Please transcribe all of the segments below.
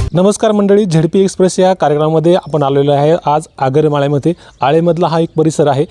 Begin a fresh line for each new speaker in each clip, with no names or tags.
नमस्कार मंडळी, ZP express या कार्यक्रमामध्ये आपण आलेलो आहे आज आगरमाळ्यामध्ये. आळेमधला हा एक परिसर आहे.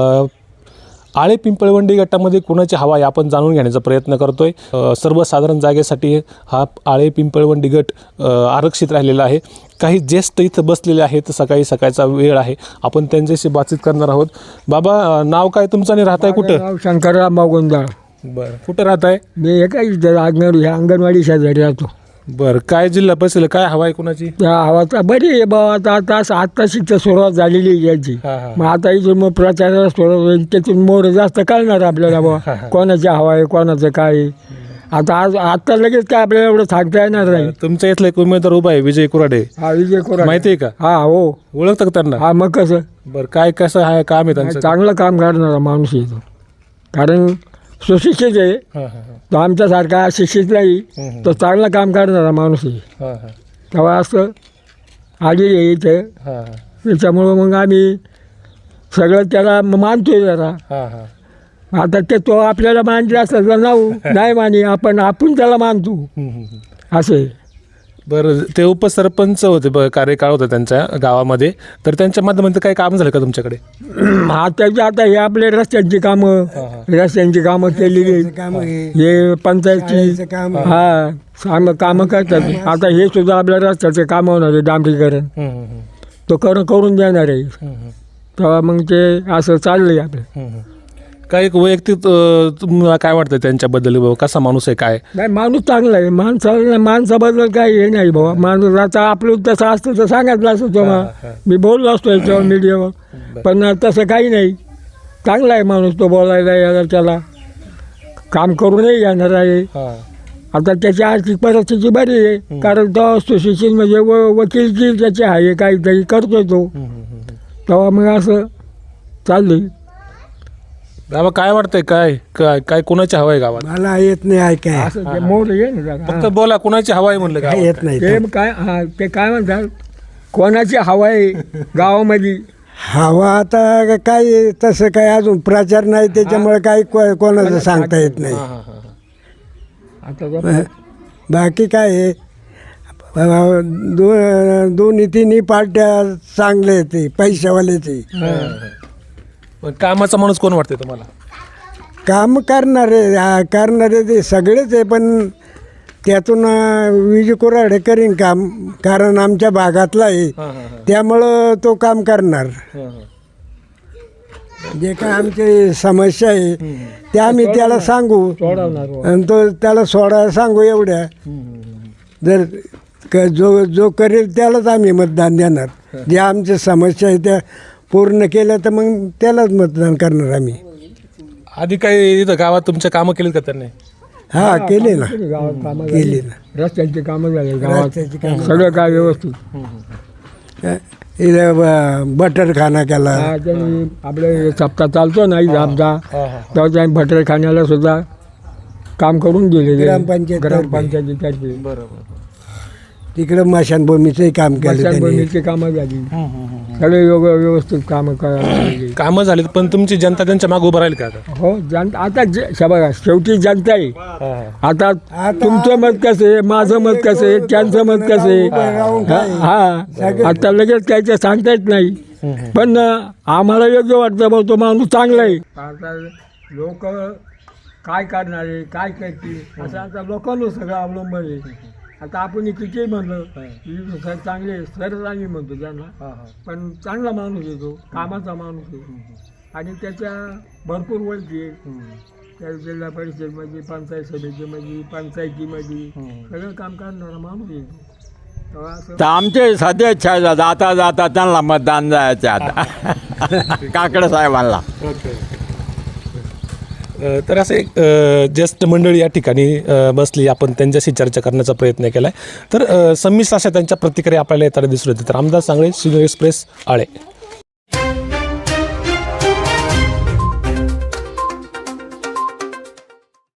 आळे पिंपळवंडी गटामध्ये कोणाची हवा आहे आपण जाणून घेण्याचा प्रयत्न करतोय. सर्वसाधारण जागेसाठी हा आळे पिंपळवंडी गट आरक्षित राहिलेला आहे. काही ज्येष्ठ इथं बसलेले आहेत. सकाळचा वेळ आहे, आपण त्यांच्याशी बातचीत करणार आहोत. बाबा, नाव काय तुमचं आणि राहताय कुठं?
शंकरराव गोंधळ.
बरं, कुठं राहताय?
मी अंगणवाडी शेजारी राहतो.
बरं, काय जिल्हा परिषद काय हवा आहे कुणाची?
त्या हवाचा बरी आहे बा. आता शिक्षा सुरुवात झालेली आहे याची. मग आता इथून मग प्रचाराला सुरुवात होईल, त्यातून मोर जास्त कळणार आपल्याला बा कोणाची हवा आहे कोणाचं काय आहे. आता लगेच काय आपल्याला एवढं सांगता येणार नाही.
तुमच्या इथला एक उमेदवार उभा आहे, विजय कुराडे.
हा, विजय कुराडे
माहिती आहे का?
हा, हो,
ओळखतं का त्यांना?
हा. मग कसं?
बरं, काय कसं आहे काम आहे त्यांचं?
चांगलं काम करणारा माणूस आहे तो. कारण सुशिक्षित आहे तो, आमच्यासारखा अशिक्षित नाही. तो चांगलं काम करणारा माणूस आहे. तेव्हा असं आलेली आहे इथे. त्याच्यामुळं मग आम्ही सगळं त्याला मानतोय जरा. आता ते तो आपल्याला मानले असलं तर नाही मानी, आपण त्याला मानतो असे.
बरं, ते उपसरपंच होते, कार्यकाळ होता त्यांच्या गावामध्ये, तर त्यांच्या माध्यमातून काही काम झालं का तुमच्याकडे?
आता हे आपले रस्त्यांची कामं केलेली, हे पंचायतची कामं करतात. आता हे सुद्धा आपल्या रस्त्याचे काम होणार आहे, डांबरीकरण तो करून देणार आहे. तेव्हा मग ते असं चाललंय आपलं.
काय एक वैयक्तिक तुम्हाला काय वाटतं त्यांच्याबद्दल? बाबा कसा माणूस आहे? काय
नाही, माणूस चांगला आहे. माणसाबद्दल काही हे नाही बाबा. माणूस आता आपलं तसं असतं तर सांगितलं असतं तेव्हा मी बोललो असतो याच्यावर मीडियावर, पण तसं काही नाही. चांगला आहे माणूस तो, बोलायला यायला त्याला काम करूनही येणार आहे. आता त्याची आर्थिक परिस्थिती बरी आहे, कारण तो सुशिक्षित म्हणजे वकीलची त्याची आहे, काहीतरी करतोय तो. तेव्हा मग असं चाललंय.
बाबा, काय वाटतंय? काय काय काय कोणाची हवा आहे गावात?
मला येत नाही ऐकाय. असं मोर ये ना,
फक्त बोला, कोणाची हवा आहे म्हणलं? काय
येत नाही ते काय? ते काय म्हणतात, कोणाची हवा आहे गावामध्ये? हवा आता काय तसं काय अजून प्रचार नाही, त्याच्यामुळे काही कोणाचं सांगता येत नाही. आता बाकी काय आहे, दोन्ही तिन्ही पार्ट्या चांगले आहेत, पैशावाल्याचे.
कामाचा माणूस कोण वाटतंय तुम्हाला?
काम करणारे ते सगळेच आहे, पण त्यातून विजय कुराडे करीन काम, कारण आमच्या भागातला आहे, त्यामुळं तो काम करणार. जे काय आमची समस्या आहे त्या आम्ही त्याला सांगू आणि तो त्याला सोडायला सांगू. एवढ्या जर जो करेल त्यालाच आम्ही मतदान देणार. जे आमच्या समस्या आहे त्या पूर्ण केलं तर मग त्यालाच मतदान करणार आम्ही.
आधी काही इथं गावात तुमच्या कामं केलीत का त्यांनी?
हा, केले ना, केली ना. रस्त्यांची कामं झाली गावात, सगळं काय व्यवस्थित. इथं बटरखाना केला. आपले सप्ताह चालतो ना आमचा, तेव्हा त्यांनी बटरखान्याला सुद्धा काम करून दिले ग्रामपंचायतीतर्फे. बरोबर. तिकडं मशानभूमीचंही काम केलं, मशानभूमीची कामं झाली, सगळे व्यवस्थित कामं झालीत. पण तुमची जनता त्यांच्या मागे उभं राहील का? हो, जनता आता बघा, शेवटी जनता आहे. आता तुमचं मत कसं आहे, माझं मत कसं आहे, त्यांचं मत कसं आहे, आता लगेच काहीच सांगता येत नाही. पण आम्हाला योग्य वाटतं बघ, तो माणूस चांगला आहे. आता लोक काय करणार आहे, काय करतील असं आता लोकांना सगळं अवलंबन आहे. आता आपण किती म्हणलं सर चांगले, सरच आम्ही म्हणतो त्यांना, पण चांगला माणूस आहे तो, कामाचा माणूस आहे. आणि त्याच्या भरपूर वळखी आहे, त्या जिल्हा परिषदेमध्ये, पंचायत समितीमध्ये, पंचायतीमध्ये सगळं काम करणारा माणूस आहे तो.
आमचे सध्या इच्छा जाता जाता त्यांना मतदान जायचं आता काकडे साहेबांना.
तर असं एक ज्येष्ठ मंडळी या ठिकाणी बसली, आपण त्यांच्याशी चर्चा करण्याचा प्रयत्न केला आहे. तर संमिश्र अशा त्यांच्या प्रतिक्रिया आपल्याला येताना दिसून येते. तर रामदास सांगळे, सिनियर एक्सप्रेस, आळे.